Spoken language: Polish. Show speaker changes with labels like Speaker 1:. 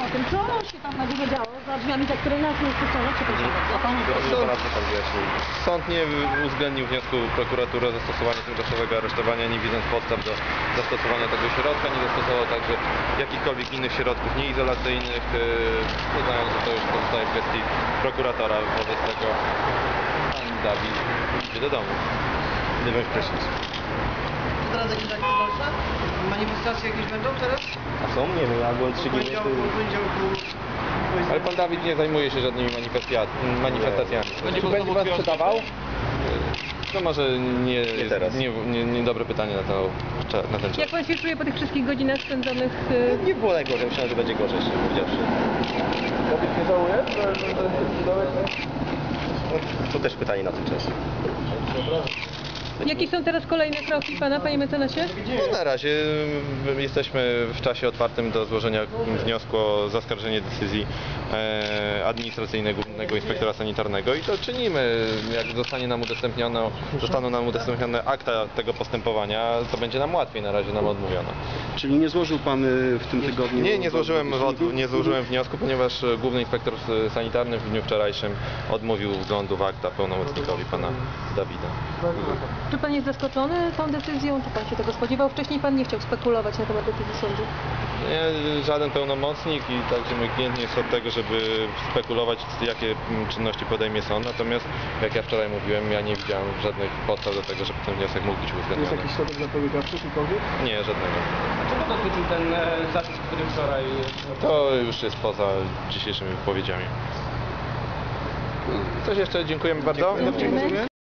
Speaker 1: tym, co się tam na górze działo, za drzwiami, za które nas nie wpuszczono, przepraszam bardzo.
Speaker 2: Sąd nie uwzględnił wniosku prokuratury o zastosowanie tymczasowego aresztowania, nie widząc podstaw do zastosowania tego środka, nie zastosował także jakichkolwiek innych środków nieizolacyjnych, uznając, że to już pozostaje w kwestii prokuratora. Wobec tego pan Dawid idzie do domu. Nie bądź prysznic.
Speaker 3: Teraz jakieś akcje dalsze? Manifestacje jakieś będą teraz?
Speaker 2: A są? Nie wiem, ja byłem 3
Speaker 3: W poniedziałku.
Speaker 2: Ale pan Dawid nie zajmuje się żadnymi manifestacjami.
Speaker 4: Czy będzie pan sprzedawał?
Speaker 2: To może niedobre pytanie na ten czas.
Speaker 1: Jak pan się czuje po tych wszystkich godzinach spędzonych?
Speaker 2: Nie było najgorzej, myślałem, że będzie gorzej, szczerze powiedziawszy.
Speaker 4: Kobiet nie żałuje?
Speaker 2: To też pytanie na ten czas.
Speaker 1: Jakie są teraz kolejne kroki pana, panie mecenasie?
Speaker 2: No, na razie jesteśmy w czasie otwartym do złożenia wniosku o zaskarżenie decyzji administracyjnej Głównego Inspektora Sanitarnego i to czynimy. Jak zostaną nam udostępnione akta tego postępowania, to będzie nam łatwiej, na razie nam odmówiono.
Speaker 5: Czyli nie złożył pan w tym tygodniu?
Speaker 2: Nie złożyłem wniosku, ponieważ Główny Inspektor Sanitarny w dniu wczorajszym odmówił wglądu w akta pełnomocnikowi pana Dawida.
Speaker 1: Czy pan jest zaskoczony tą decyzją? Czy pan się tego spodziewał? Wcześniej pan nie chciał spekulować na temat decyzji sądu.
Speaker 2: Nie, żaden pełnomocnik i także mój klient nie jest od tego, żeby spekulować, jakie czynności podejmie sąd. Natomiast, jak ja wczoraj mówiłem, ja nie widziałem żadnych podstaw do tego, żeby ten wniosek mógł być
Speaker 4: Jest
Speaker 2: uwzględniony.
Speaker 4: jakiś środek zapobiegawczy czykolwiek?
Speaker 2: Nie, żadnego.
Speaker 4: Czego dotyczył ten zapis, który wczoraj...
Speaker 2: To już jest poza dzisiejszymi wypowiedziami. Coś jeszcze? Dziękujemy bardzo.
Speaker 1: Dziękujemy.